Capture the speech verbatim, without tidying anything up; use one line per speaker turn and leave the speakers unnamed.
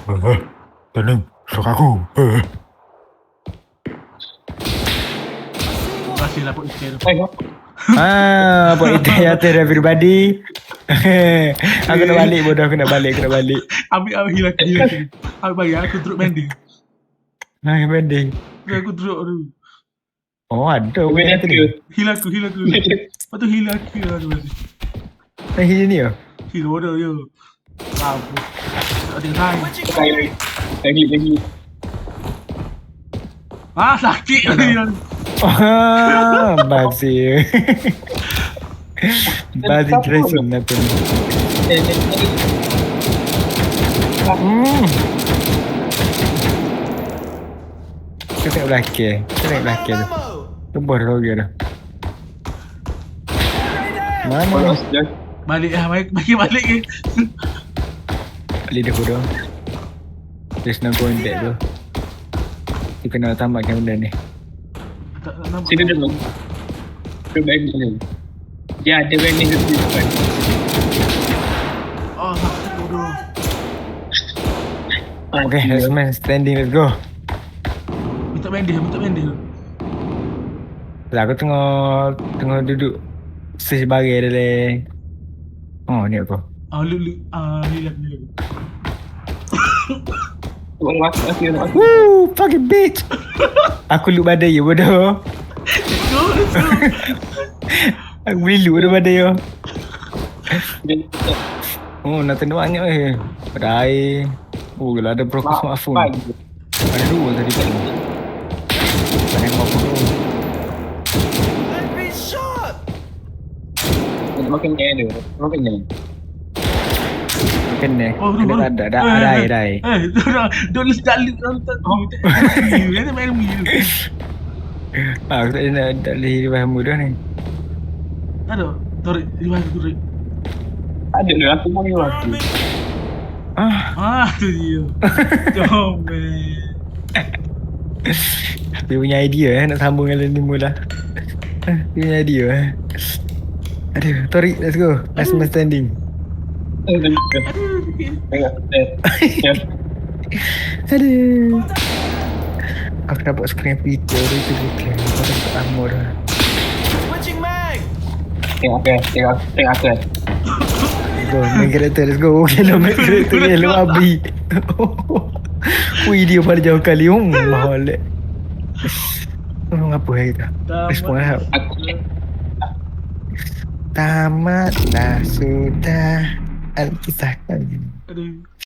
Eh, tenang, sok aku. Eh,
Makasih lah Pak Iskir.
ah, buat itu ya ter everybody. Aku nak balik bodoh, aku nak balik, aku nak balik.
Ambil ambil hilang hilang sini. Ambil bagi aku drop mending.
Nah, pending.
Aku drop dulu.
Oh, ada
Kau
benda
nak
tadi.
ke?
Hilang aku hilang aku. Lepas tu hilang aku lah tu.
Nah, ini ya.
Hilang bodoh yo. Mampus. Tak ada hai.
Lagi lagi lagi.
Ah sakit lagi.
Ah, basi. Basi Grayson apa ni? Hmm. Kita tengok belakang. Kita tengok belakang tu. Tu baru dia dah. Mana?
Polos dah.
Balik lah balik bagi balik ke.
Balik dah bodoh. There's no going back tu. Kita kena tamatkan benda ni.
Tak tak nampak.
Sini dulu. Drop back dulu. Ya, ada vending di depan.
Oh sakit bodoh.
Okay, let's man standing, let's go.
Minta mending minta mending.
Lah aku tengah tengah duduk search barang dalam. Oh, ni aku.
Ah lu lu ah hilang hilang.
Orang masuk lagi orang masuk.
Woo, fucking bitch. Aku look badai je bodoh.
Let's go let's go.
Aku boleh look dah badai je.
Jadi
Oh, nak tengok banyak eh. Badai. Oh, kalau ada broker smartphone. Ada dua tadi kat ni. Tak nembak pun tu.
Nak makan ni ada. Makan ni.
Kena.
Oh,
Kena
baru,
ada.
baru.
Ada air, ada air.
Eh, dah dah list dah list nonton. Oh, dia main mi.
Ah, aku tak ada nak tak boleh di bahamu dah ni.
Ada. Tarik di mana tu tarik.
Ada dah aku mau ni waktu.
Ah,
Ah, tu dia. Comel.
dia punya idea eh nak sambung dengan ni mula. Dia punya idea eh. Aduh, Torik, let's go. Last man standing.
Aduh,
Tengok. Ya.
Aduh. Aku dapat screen video tu tu tu. Aku dapat armor dah.
Tengok aku. Tengok tengok aku.
Let's go, main karakter, let's go. Okay lah, main karakter ni lu abi. Wih, dia pada jauh kali. Hmm, mahal eh. Oh, apa hari tu? Respon lah.
Aku
Tamatlah sudah Alkisah kali.
Aduh.